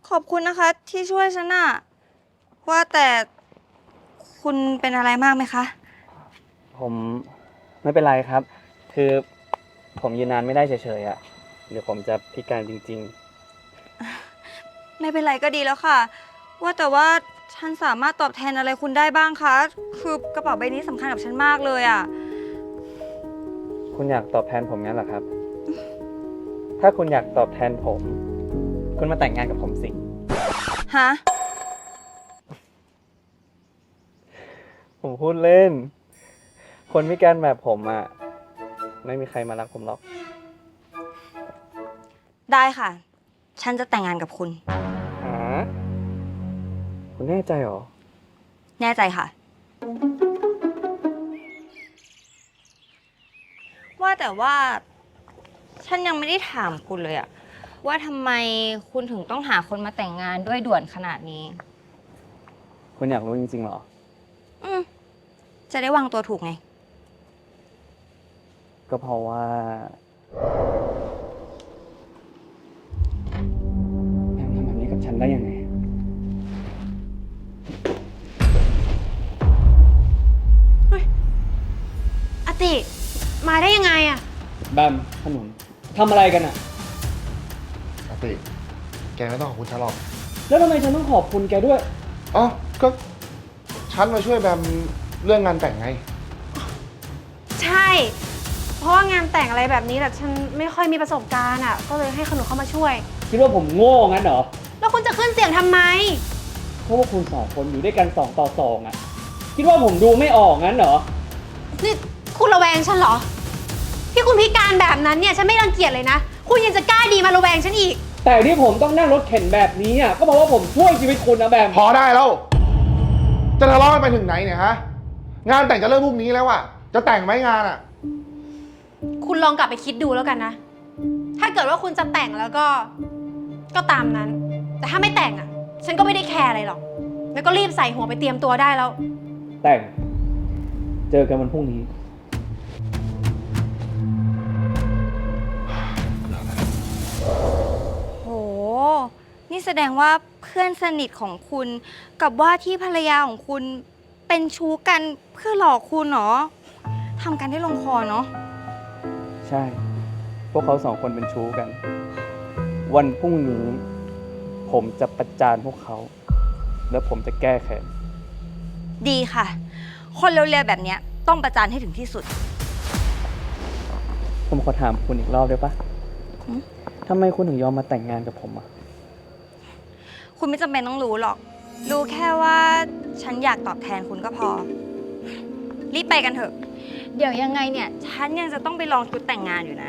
ขอบคุณนะคะที่ช่วยฉันน่ะว่าแต่คุณเป็นอะไรมากไหมคะผมไม่เป็นไรครับ คือผมยืนนานไม่ได้เฉยๆอ่ะเดี๋ยวผมจะพิการจริงไม่เป็นไรก็ดีแล้วค่ะ ว่าแต่ว่าฉันสามารถตอบแทนอะไรคุณได้บ้างคะคือกระเป๋าใบนี้สำคัญกับฉันมากเลยอ่ะๆ คุณอยากตอบแทนผมงั้นเหรอครับ ถ้าคุณอยากตอบแทนผม คุณมาแต่งงานกับผมสิฮะผมพูดเล่น คนพิการแบบผมอ่ะไม่มีใครมารักผมหรอกได้ค่ะ ฉันจะแต่งงานกับคุณหาคุณแน่ใจเหรอแน่ใจค่ะ ว่าแต่ว่า ฉันยังไม่ได้ถามคุณเลยอะว่าทำไมคุณถึงต้องหาคนมาแต่งงานด้วยด่วนขนาดนี้คุณอยากรู้จริงๆเหรออืมจะได้วางตัวถูกไงก็เพราะว่าแอมทำแบบนี้กับฉันได้ยังไงอติมาได้ยังไงอะแบมขนุนทำอะไรกันอ่ะอาติแกไม่ต้องขอบคุณฉันหรอกแล้วทำไมฉันต้องขอบคุณแกด้วยอ๋อก็ฉันมาช่วยแบมเรื่องงานแต่งไงใช่ เพราะว่างานแต่งอะไรแบบนี้แต่ฉันไม่ค่อยมีประสบการณ์อะก็เลยให้ขนุนเข้ามาช่วยคิดว่าผมโง่งั้นเหรอแล้วคุณจะขึ้นเสียงทำไมเพราะว่าคุณสองคนอยู่ด้วยกัน2 ต่อ 2อ่ะ คิดว่าผมดูไม่ออกงั้นเหรอนี่คุณระแวงฉันเหรอ ที่คุณพิการแบบนั้นเนี่ยฉันไม่รังเกียจเลยนะ คุณยังจะกล้าดีมาระแวงฉันอีกแต่ที่ผมต้องนั่งรถเข็นแบบนี้อ่ะก็เพราะว่าผมช่วยชีวิตคุณนะแบมพอได้แล้ว จะทะเลาะกันไปถึงไหนเนี่ยฮะ งานแต่งจะเริ่มพรุ่งนี้แล้วอะจะแต่งไหมงานอะคุณลองกลับไปคิดดูแล้วกันนะ ถ้าเกิดว่าคุณจะแต่งแล้วก็ตามนั้น แต่ถ้าไม่แต่งอะฉันก็ไม่ได้แคร์อะไรหรอก แล้วก็รีบใส่หัวไปเตรียมตัวได้แล้วแต่ง เจอกันวันพรุ่งนี้โห นี่แสดงว่าเพื่อนสนิทของคุณ กับว่าที่ภรรยาของคุณเป็นชู้กันเพื่อหลอกคุณเหรอทำกันได้ลงคอเนาะใช่ พวกเขา2 คนเป็นชู้กัน วันพรุ่งนี้ ผมจะประจานพวกเขา แล้วผมจะแก้แค้นดีค่ะ คนเร็วๆแบบเนี้ยต้องประจานให้ถึงที่สุดผมขอถามคุณอีกรอบได้ปะหืมทำไมคุณถึงยอมมาแต่งงานกับผมอ่ะคุณไม่จำเป็นต้องรู้หรอก รู้แค่ว่าฉันอยากตอบแทนคุณก็พอ รีบไปกันเถอะ เดี๋ยวยังไงเนี่ย ฉันยังจะต้องไปลองชุดแต่งงานอยู่นะ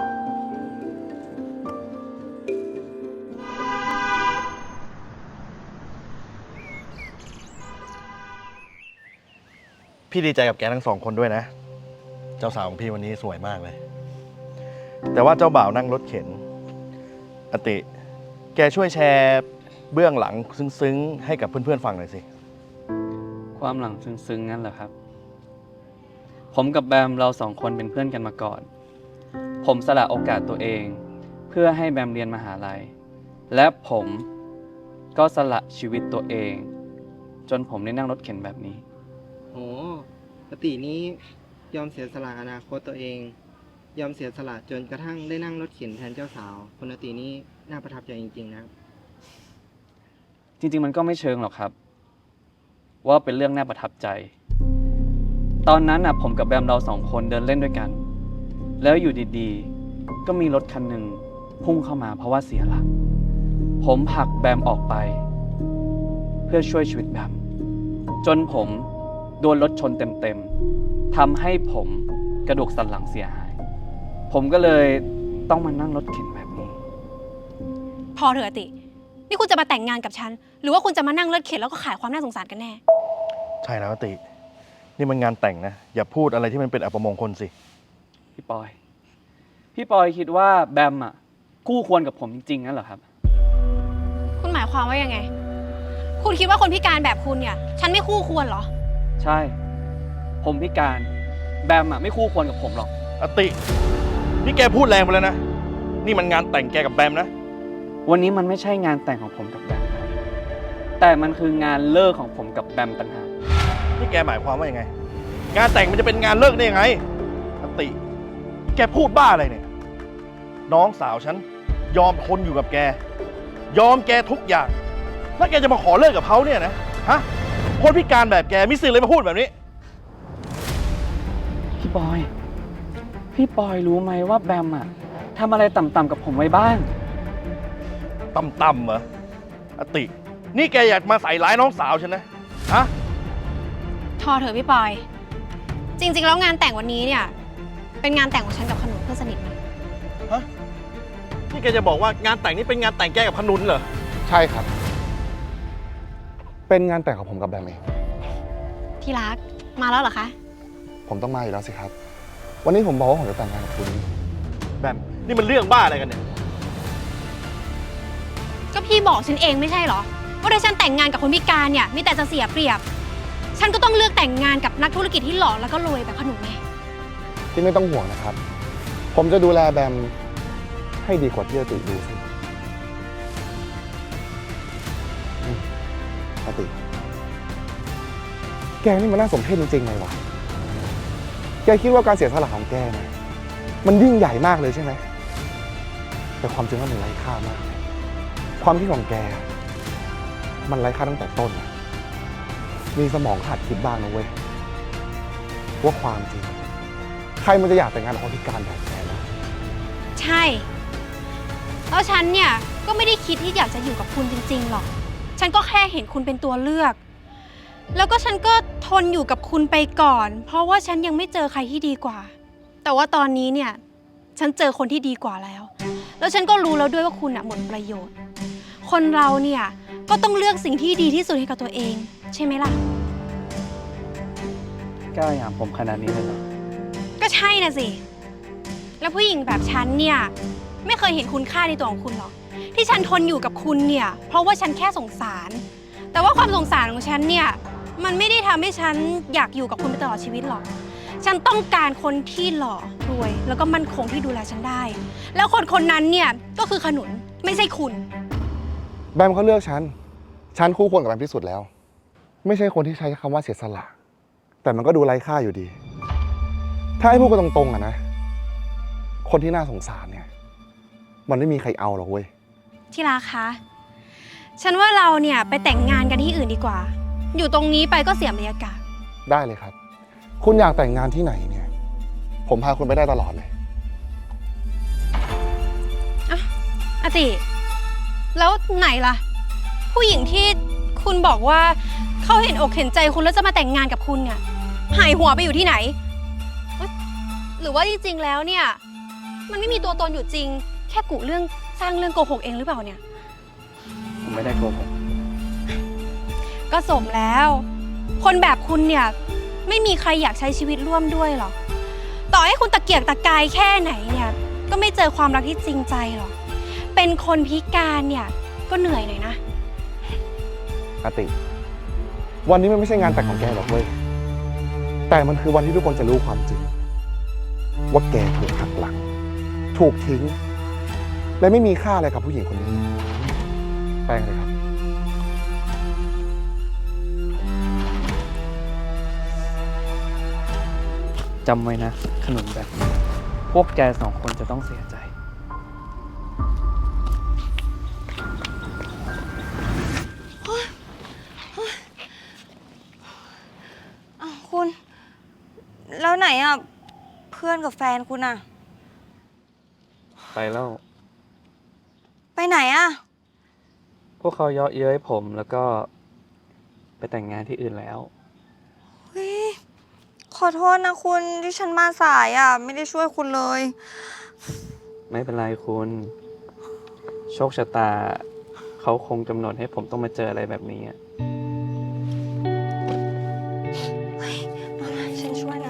พี่ดีใจกับแกทั้ง2 คนด้วยนะ เจ้าสาวของพี่วันนี้สวยมากเลย แต่ว่าเจ้าบ่าวนั่งรถเข็นอติ แกช่วยแชร์เบื้องหลังซึ้งๆให้กับเพื่อนๆฟังหน่อยสิความหลังซึ้งๆงั้นเหรอครับ ผมกับแบมเรา2 คนเป็นเพื่อนกันมาก่อน ผมสละโอกาสตัวเอง เพื่อให้แบมเรียนมหาลัย และผมก็สละชีวิตตัวเอง จนผมได้นั่งรถเข็นแบบนี้โอ้ปกตินี้ยอมเสียสละอนาคตตัวเอง ยอมเสียสละจนกระทั่งได้นั่งรถเข็นแทนเจ้าสาวคุณอตินี้น่าประทับใจจริงๆนะครับจริงๆมันก็ไม่เชิงหรอกครับ ว่าเป็นเรื่องน่าประทับใจ ตอนนั้นผมกับแบมเรา2 คนเดินเล่นด้วยกัน แล้วอยู่ดีๆ ก็มีรถคันหนึ่งพุ่งเข้ามาเพราะว่าเสียหลัก ผมผลักแบมออกไป เพื่อช่วยชีวิตแบม จนผมโดนรถชนเต็มๆทำให้ผมกระดูกสันหลังเสียหาย ผมก็เลยต้องมานั่งรถเข็นแบบนี้พอเถอะอติ นี่คุณจะมาแต่งงานกับฉัน หรือว่าคุณจะมานั่งรถเข็นแล้วก็ขายความน่าสงสารกันแน่ใช่แล้วอติ นี่มันงานแต่งนะ อย่าพูดอะไรที่มันเป็นอัปมงคลสิพี่ปอยคิดว่าแบมคู่ควรกับผมจริงๆงั้นเหรอครับคุณหมายความว่ายังไง คุณคิดว่าคนพิการแบบคุณเนี่ย ฉันไม่คู่ควรเหรอใช่ ผมพิการ แบมไม่คู่ควรกับผมหรอกอติ นี่แกพูดแรงไปแล้วนะ นี่มันงานแต่งแกกับแบมนะวันนี้มันไม่ใช่งานแต่งของผมกับแบมครับแต่มันคืองานเลิกของผมกับแบมต่างหากนี่แกหมายความว่ายังไง งานแต่งมันจะเป็นงานเลิกได้ยังไงอติ แกพูดบ้าอะไรเนี่ย น้องสาวฉันยอมทนอยู่กับแก ยอมแกทุกอย่าง แล้วแกจะมาขอเลิกกับเขาเนี่ยนะ ฮะ คนพิการแบบแกมีสิทธิ์เลยมาพูดแบบนี้พี่บอยรู้ไหมว่าแบมอะทำอะไรต่ำๆกับผมไว้บ้างต่ำๆเหรออติ นี่แกอยากมาใส่ร้ายน้องสาวฉันนะ ฮะทอเถอะพี่ปอย จริงๆ แล้วงานแต่งวันนี้เนี่ย เป็นงานแต่งของฉันกับขนุนเพื่อนสนิทนะฮะ นี่แกจะบอกว่างานแต่งนี่เป็นงานแต่งแกกับขนุนเหรอใช่ครับ เป็นงานแต่งของผมกับแบมเองที่รัก มาแล้วเหรอคะผมต้องมาอยู่แล้วสิครับ วันนี้ผมบอกว่าผมจะแต่งงานกับคุณแบบ นี่มันเรื่องบ้าอะไรกันเนี่ยก็พี่บอกฉันเองไม่ใช่เหรอ ว่าถ้าฉันแต่งงานกับคนพิการเนี่ยมีแต่จะเสียเปรียบ ฉันก็ต้องเลือกแต่งงานกับนักธุรกิจที่หล่อแล้วก็รวยแบบขนุนไงที่ไม่ต้องห่วงนะครับ ผมจะดูแลแบมให้ดีกว่าที่อติดูสิอติ แกนี่มันน่าสมเพชจริงๆเลยวะแกคิดว่าการเสียสละของแกเนี่ยมันยิ่งใหญ่มากเลยใช่ไหม แต่ความจริงแล้วมันไร้ค่ามาก ความคิดของแก มันไร้ค่าตั้งแต่ต้นนะมีสมองขาดคิดบ้างนะเว้ย ว่าความจริง ใครมันจะอยากแต่งงานกับคนพิการแบบแกนะใช่ แล้วฉันเนี่ยก็ไม่ได้คิดที่อยากจะอยู่กับคุณจริงๆหรอก ฉันก็แค่เห็นคุณเป็นตัวเลือก แล้วก็ฉันก็ทนอยู่กับคุณไปก่อน เพราะว่าฉันยังไม่เจอใครที่ดีกว่า แต่ว่าตอนนี้เนี่ยฉันเจอคนที่ดีกว่าแล้ว แล้วฉันก็รู้แล้วด้วยว่าคุณหมดประโยชน์ คนเราเนี่ยก็ต้องเลือกสิ่งที่ดีที่สุดให้กับตัวเอง ใช่ไหมล่ะกล้าอย่างผมขนาดนี้เลยเหรอก็ใช่นะสิ แล้วผู้หญิงแบบฉันเนี่ยไม่เคยเห็นคุณค่าในตัวของคุณหรอก ที่ฉันทนอยู่กับคุณเนี่ยเพราะว่าฉันแค่สงสาร แต่ว่าความสงสารของฉันเนี่ยมันไม่ได้ทำให้ฉันอยากอยู่กับคุณไปตลอดชีวิตหรอก ฉันต้องการคนที่หล่อรวย แล้วก็มั่นคงที่ดูแลฉันได้ แล้วคนคนนั้นเนี่ยก็คือขนุนไม่ใช่คุณแบมเขาเลือกฉัน ฉันคู่ควรกับแบมที่สุดแล้ว ไม่ใช่คนที่ใช้คำว่าเสียสละ แต่มันก็ดูไร้ค่าอยู่ดี ถ้าให้พูดกันตรงๆอะนะ คนที่น่าสงสารเนี่ย มันไม่มีใครเอาหรอกเว้ยที่รักคะ ฉันว่าเราเนี่ยไปแต่งงานกันที่อื่นดีกว่า อยู่ตรงนี้ไปก็เสียบรรยากาศได้เลยครับ คุณอยากแต่งงานที่ไหนเนี่ย ผมพาคุณไปได้ตลอดเลยอาติ แล้วไหนล่ะ ผู้หญิงที่คุณบอกว่าเขาเห็นอกเห็นใจคุณแล้วจะมาแต่งงานกับคุณเนี่ยหายหัวไปอยู่ที่ไหนเอ๊ะหรือว่าจริงๆแล้วเนี่ยมันไม่มีตัวตนอยู่จริง แค่กุเรื่องสร้างเรื่องโกหกเองหรือเปล่าเนี่ยผมไม่ได้โกหกก็สมแล้ว คนแบบคุณเนี่ยไม่มีใครอยากใช้ชีวิตร่วมด้วยหรอกต่อให้คุณตะเกียกตะกายแค่ไหนเนี่ยก็ไม่เจอความรักที่จริงใจหรอกเป็นคนพิการเนี่ยก็เหนื่อยหน่อยนะอาติ วันนี้มันไม่ใช่งานแต่งของแกหรอกเว้ย แต่มันคือวันที่ทุกคนจะรู้ความจริง ว่าแกถูกหักหลัง ถูกทิ้ง และไม่มีค่าอะไรกับผู้หญิงคนนี้ แป้งเลยครับจำไว้นะ ขนุนแบบนี้พวกแกสองคนจะต้องเสียใจอ้าวคุณ แล้วไหนอ่ะ เพื่อนกับแฟนคุณอ่ะไปแล้วไปไหนอ่ะพวกเขาเยาะเย้ยผมแล้วก็ไปแต่งงานที่อื่นแล้วเฮ้ย ขอโทษนะคุณที่ฉันมาสายอ่ะ ไม่ได้ช่วยคุณเลยไม่เป็นไรคุณ โชคชะตา เขาคงกำหนดให้ผมต้องมาเจออะไรแบบนี้อะมาฉันช่วยนะ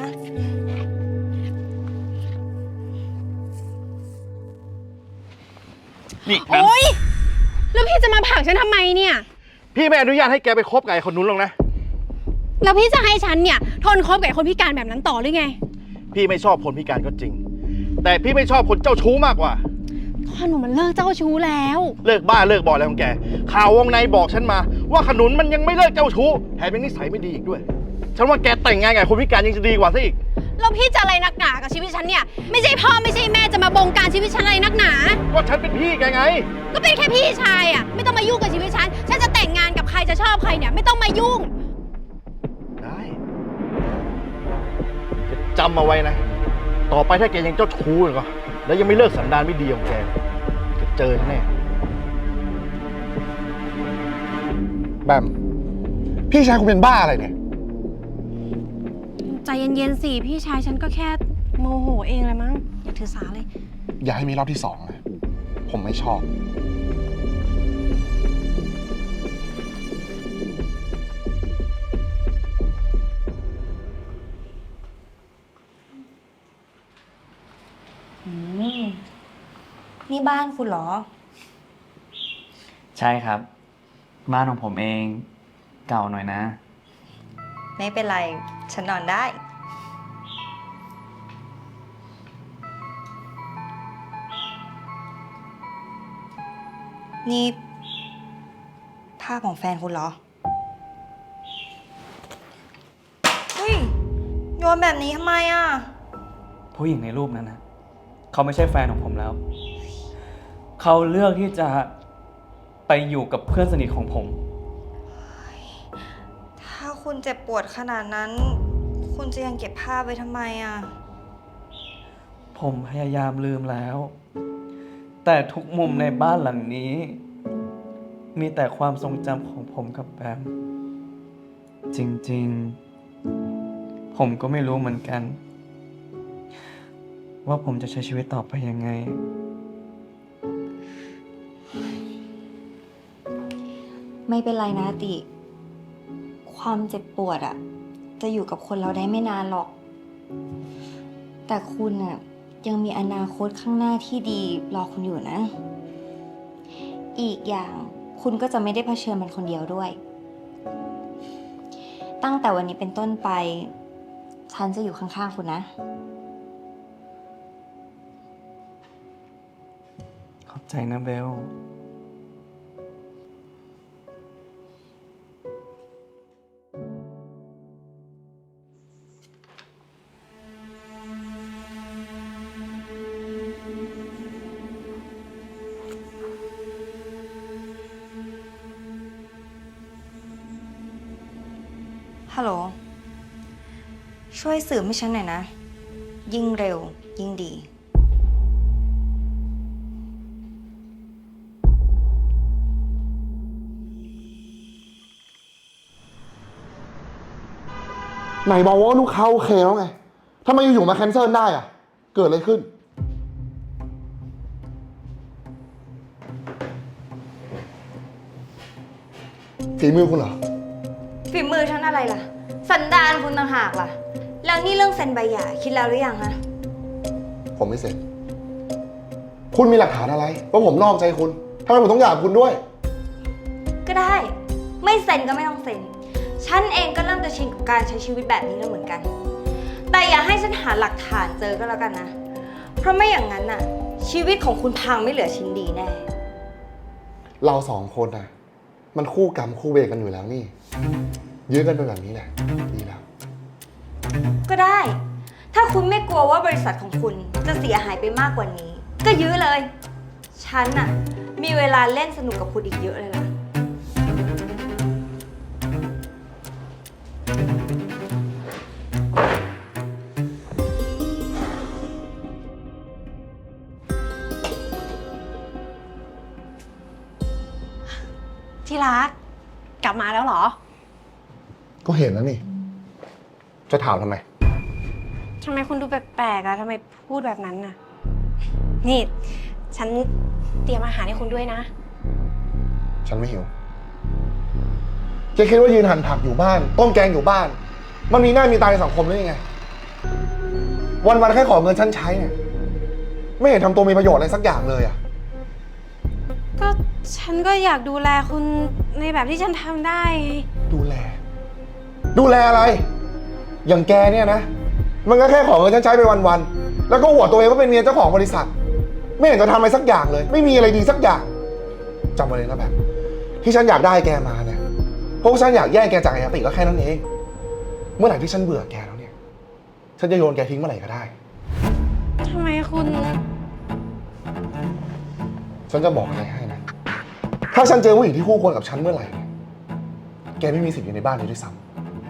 นี่แบมโอ๊ย แล้วพี่จะมาผลักฉันทำไมเนี่ยพี่ไม่อนุญาตให้แกไปคบกับไอ้คนนู้นหรอกนะแล้วพี่จะให้ฉันเนี่ยทนคบกับไอ้คนพิการแบบนั้นต่อหรือไงพี่ไม่ชอบคนพิการก็จริง แต่พี่ไม่ชอบคนเจ้าชู้มากกว่าพ่อหนูมันเลิกเจ้าชู้แล้วเลิกบ้าเลิกบออะไรของแก ข่าววงในบอกฉันมา ว่าขนุนมันยังไม่เลิกเจ้าชู้แถมยังนิสัยไม่ดีอีกด้วย ฉันว่าแกแต่งงานกับคนพิการยังจะดีกว่าซะอีกแล้วพี่จะอะไรนักหนากับชีวิตฉันเนี่ย ไม่ใช่พ่อไม่ใช่แม่จะมาบงการชีวิตฉันอะไรนักหนาก็ฉันเป็นพี่แกไงก็เป็นแค่พี่ชายอ่ะ ไม่ต้องมายุ่งกับชีวิตฉัน ฉันจะแต่งงานกับใครจะชอบใครเนี่ยไม่ต้องมายุ่งได้จะจำเอาไว้นะ ต่อไปถ้าแกยังเจ้าชู้อีกก็แล้วยังไม่เลิกสันดานไม่ดีของแกจะเจอแน่แบม พี่ชายคุณเป็นบ้าอะไรเนี่ยใจเย็นๆสิ พี่ชายฉันก็แค่โมโหเองเลยมั้ง อย่าถือสาเลยอย่าให้มีรอบที่สองนะ ผมไม่ชอบนี่บ้านคุณเหรอใช่ครับ บ้านของผมเองเก่าหน่อยนะไม่เป็นไร ฉันนอนได้ นี่ภาพของแฟนคุณเหรอ เฮ้ย โยนแบบนี้ทำไมอ่ะผู้หญิงในรูปนั้นนะเขาไม่ใช่แฟนของผมแล้ว เขาเลือกที่จะไปอยู่กับเพื่อนสนิทของผมถ้าคุณเจ็บปวดขนาดนั้น คุณจะยังเก็บภาพไว้ทำไมอ่ะผมพยายามลืมแล้ว แต่ทุกมุมในบ้านหลังนี้ มีแต่ความทรงจำของผมกับแบม จริงๆ ผมก็ไม่รู้เหมือนกัน ว่าผมจะใช้ชีวิตต่อไปยังไงไม่เป็นไรนะติ ความเจ็บปวดอะจะอยู่กับคนเราได้ไม่นานหรอก แต่คุณอะยังมีอนาคตข้างหน้าที่ดีรอคุณอยู่นะ อีกอย่างคุณก็จะไม่ได้เผชิญมันคนเดียวด้วย ตั้งแต่วันนี้เป็นต้นไป ฉันจะอยู่ข้างๆคุณนะขอบใจนะเบลฮัลโหล ช่วยสืบให้ฉันหน่อยนะ ยิ่งเร็ว ยิ่งดีไหนบอกว่าลูกค้าโอเคแล้วไงทำไมอยู่ๆมาแคนเซิลได้อะเกิดอะไรขึ้น ฝีมือคุณเหรอฝีมือฉันอะไรล่ะ สันดานคุณต่างหากล่ะ แล้วนี่เรื่องเซ็นใบหย่าคิดแล้วหรือยังฮะผมไม่เสร็จ คุณมีหลักฐานอะไรว่าผมนอกใจคุณทำไมผมต้องหย่ากับคุณด้วยก็ได้ ไม่เซ็นก็ไม่ต้องเซ็น ฉันเองก็เริ่มจะชินกับการใช้ชีวิตแบบนี้แล้วเหมือนกัน แต่อย่าให้ฉันหาหลักฐานเจอก็แล้วกันนะ เพราะไม่อย่างนั้นน่ะ ชีวิตของคุณพังไม่เหลือชิ้นดีแน่เราสองคนน่ะ มันคู่กรรมคู่เวรกันอยู่แล้วนี่ ยื้อกันไปแบบนี้แหละ ดีแล้วก็ได้ ถ้าคุณไม่กลัวว่าบริษัทของคุณจะเสียหายไปมากกว่านี้ ก็ยื้อเลย ฉันน่ะ มีเวลาเล่นสนุกกับคุณอีกเยอะเลยล่ะที่รัก กลับมาแล้วเหรอก็เห็นแล้วนี่ จะถามทำไมทำไมคุณดูแปลกๆอะทำไมพูดแบบนั้นน่ะ นี่ ฉันเตรียมอาหารให้คุณด้วยนะฉันไม่หิวแกคิดว่ายืนหั่นผักอยู่บ้าน ต้มแกงอยู่บ้าน มันมีหน้ามีตาในสังคมหรือยังไง วันๆแค่ขอเงินฉันใช้เนี่ย ไม่เห็นทำตัวมีประโยชน์อะไรสักอย่างเลยอะก็ฉันก็อยากดูแลคุณในแบบที่ฉันทำได้ไงดูแลอะไร อย่างแกเนี่ยนะ มันก็แค่ขอเงินฉันใช้ไปวันๆ แล้วก็อวดตัวเองว่าเป็นเมียเจ้าของบริษัทไม่เห็นจะทำอะไรสักอย่างเลย ไม่มีอะไรดีสักอย่างจำไว้เลยนะแบบ ที่ฉันอยากได้แกมาเนี่ยเพราะว่าฉันอยากแย่งแกจากไอ้อติก็แค่นั้นเอง เมื่อไหร่ที่ฉันเบื่อแกแล้วเนี่ย ฉันจะโยนแกทิ้งเมื่อไหร่ก็ได้ทำไมคุณฉันจะบอกอะไรให้นะ ถ้าฉันเจอผู้หญิงที่คู่ควรกับฉันเมื่อไหร่เนี่ยแกไม่มีสิทธิ์อยู่ในบ้านนี้ด้วยซ้ำ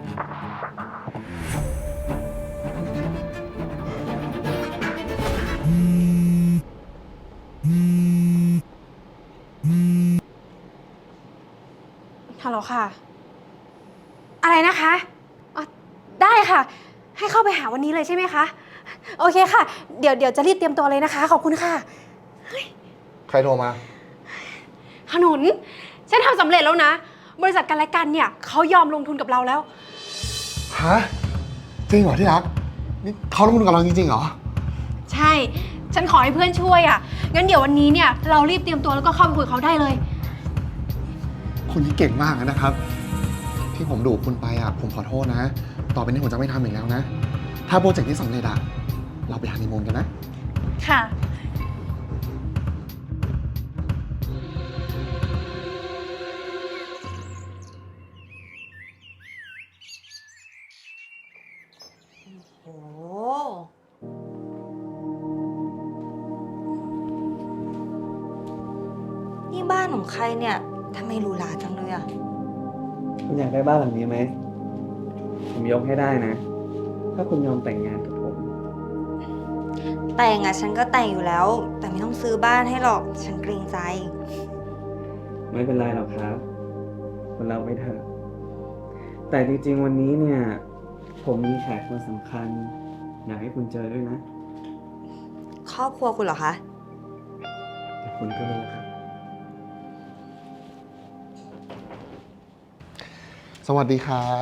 ฮัลโหลค่ะ อะไรนะคะอ๋อได้ค่ะ ให้เข้าไปหาวันนี้เลยใช่ไหมคะ โอเคค่ะ เดี๋ยวจะรีบเตรียมตัวเลยนะคะ ขอบคุณค่ะใครโทรมาขนุน ฉันทำสำเร็จแล้วนะ บริษัทกันและกันเนี่ยเขายอมลงทุนกับเราแล้วฮะ จริงเหรอที่รัก นี่เขาลงทุนกับเราจริงๆเหรอใช่ ฉันขอให้เพื่อนช่วยอ่ะ งั้นเดี๋ยววันนี้เนี่ยเรารีบเตรียมตัวแล้วก็เข้าไปคุยกับเขาได้เลยคุณนี่เก่งมากนะครับ ที่ผมดุคุณไปอ่ะ ผมขอโทษนะ ต่อไปนี้ผมจะไม่ทำอีกแล้วนะ ถ้าโปรเจกต์นี้สำเร็จอ่ะ เราไปฮันนีมูนกันนะค่ะโอ้นี่บ้านของใครเนี่ยทำไมหรูหราจังเลยอะคุณอยากได้บ้านหลังนี้ไหม ผมยกให้ได้นะ ถ้าคุณยอมแต่งงานกับผมแต่งอะฉันก็แต่งอยู่แล้ว แต่ไม่ต้องซื้อบ้านให้หรอก ฉันเกรงใจไม่เป็นไรหรอกครับคนเราไม่เถอะ แต่จริงๆวันนี้เนี่ย ผมมีแขกคนสำคัญ อยากให้คุณเจอด้วยนะครอบครัวคุณเหรอคะแต่คุณก็รู้ครับสวัสดีครับ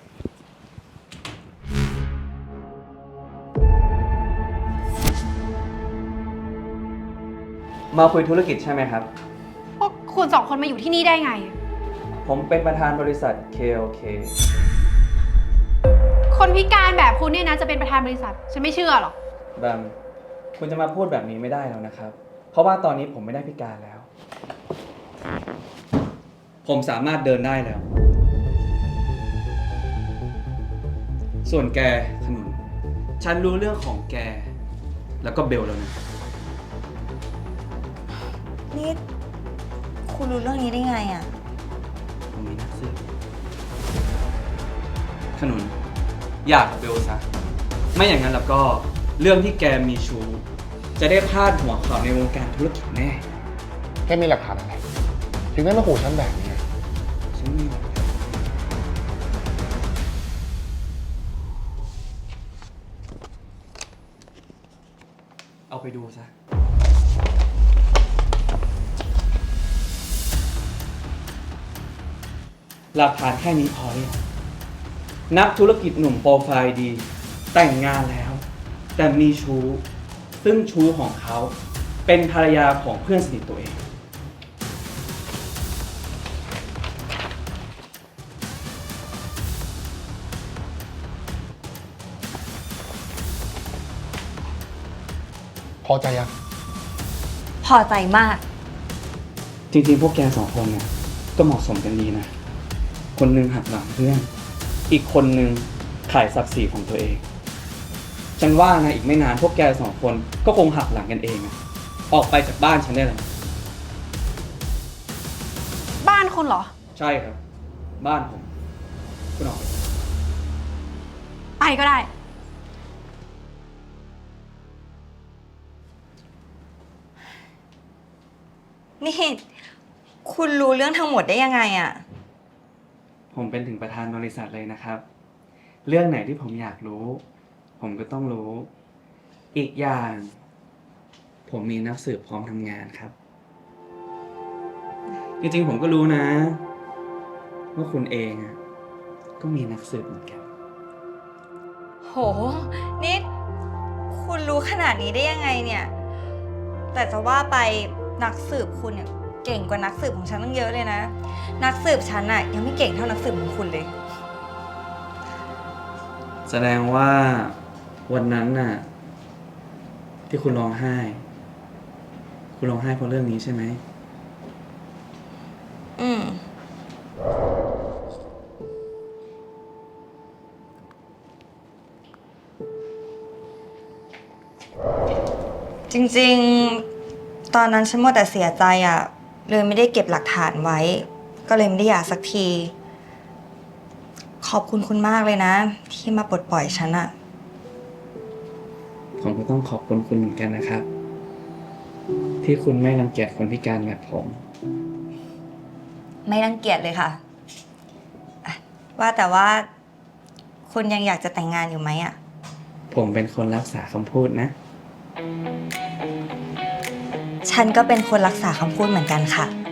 มาคุยธุรกิจใช่ไหมครับพวกคุณสองคนมาอยู่ที่นี่ได้ไงผมเป็นประธานบริษัท KLK คนพิการแบบคุณเนี่ยนะจะเป็นประธานบริษัท ฉันไม่เชื่อหรอกแบมคุณจะมาพูดแบบนี้ไม่ได้แล้วนะครับ เพราะว่าตอนนี้ผมไม่ได้พิการแล้ว ผมสามารถเดินได้แล้ว ส่วนแกขนุน ฉันรู้เรื่องของแก แล้วก็เบลแล้วนะนี่ คุณรู้เรื่องนี้ได้ไงอะผมมีนักสืบขนุน อยากกับเบลซะ ไม่อย่างนั้นแล้วก็เรื่องที่แกมีชู้ จะได้พาดหัวข่าวในวงการธุรกิจแน่แค่มีหลักฐานอะไร ถึงได้มาขู่ฉันแบบนี้ฉันมีหลักฐานเอาไปดูซะ หลักฐานแค่นี้พอหรือยังนักธุรกิจหนุ่มโปรไฟล์ดี แต่งงานแล้ว แต่มีชู้ ซึ่งชู้ของเขาเป็นภรรยาของเพื่อนสนิทตัวเองพอใจยังพอใจมากจริงๆ พวกแกสองคนเนี่ยก็เหมาะสมกันดีนะ คนหนึ่งหักหลังเพื่อน อีกคนหนึ่งขายศักดิ์ศรีของตัวเอง ฉันว่านะอีกไม่นานพวกแกสองคนก็คงหักหลังกันเองอะออกไปจากบ้านฉันได้เลยบ้านคุณเหรอใช่ครับ บ้านผม คุณออกไปไปก็ได้นี่ คุณรู้เรื่องทั้งหมดได้ยังไงอะผมเป็นถึงประธานบริษัทเลยนะครับ เรื่องไหนที่ผมอยากรู้ ผมก็ต้องรู้ อีกอย่าง ผมมีนักสืบพร้อมทำงานครับ จริงๆ ผมก็รู้นะ ว่าคุณเองอะก็มีนักสืบเหมือนกันโห นี่ คุณรู้ขนาดนี้ได้ยังไงเนี่ย แต่จะว่าไปนักสืบคุณเนี่ยเก่งกว่านักสืบของฉันตั้งเยอะเลยนะ นักสืบฉันอะยังไม่เก่งเท่านักสืบของคุณเลยแสดงว่าวันนั้นน่ะ ที่คุณร้องไห้คุณร้องไห้เพราะเรื่องนี้ใช่ไหมอืม จริงๆ ตอนนั้นฉันมัวแต่เสียใจอะเลยไม่ได้เก็บหลักฐานไว้ ก็เลยไม่ได้หย่าสักที ขอบคุณคุณมากเลยนะ ที่มาปลดปล่อยฉันอะผมก็ต้องขอบคุณคุณเหมือนกันนะครับ ที่คุณไม่รังเกียจคนพิการแบบผมไม่รังเกียจเลยค่ะอะว่าแต่ว่า คุณยังอยากจะแต่งงานอยู่ไหมอะผมเป็นคนรักษาคำพูดนะฉันก็เป็นคนรักษาคำพูดเหมือนกันค่ะ